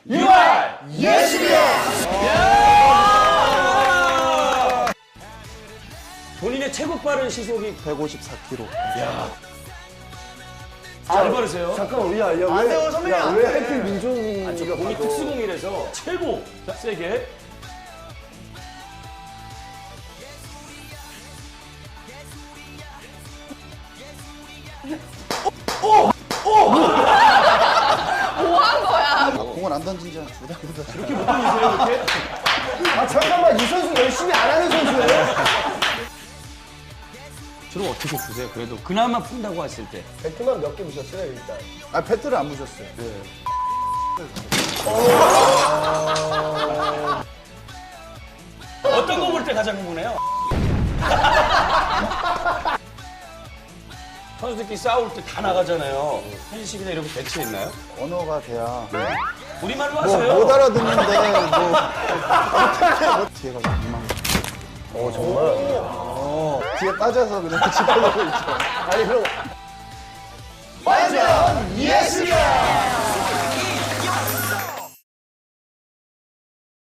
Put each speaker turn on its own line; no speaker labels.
유알 예술이야. 본인의 최고 빠른 시속이
154km.
잘 바르세요.
잠깐만, 야,
안 돼요, 선배님, 안
왜
돼.
하필 민종이가
본인 특수공이라서 최고. 자, 세게.
공을 안 던진 지 한 2달보다.
이렇게 못 돌리세요, 이렇게?
아, 잠깐만, 이 선수 열심히 안 하는 선수예요?
주로 어떻게 쓰세요? 그래도 그나마 푼다고 하실 때.
배트만 몇 개 무셨어요, 일단?
아, 배트를 안 부셨어요.
어떤 거 볼 때 가장 궁금해요? 선수들끼리 싸울 때 다 나가잖아요. 편식이나 이런 거 대체 있나요?
언어가 돼야.
우리말로
뭐,
하세요.
못 알아듣는데, 뭐. 뒤에가 엉망.
정말?
뒤에 빠져서 그냥 집어넣고 있죠.
아니, 그럼.
완전 예술이야.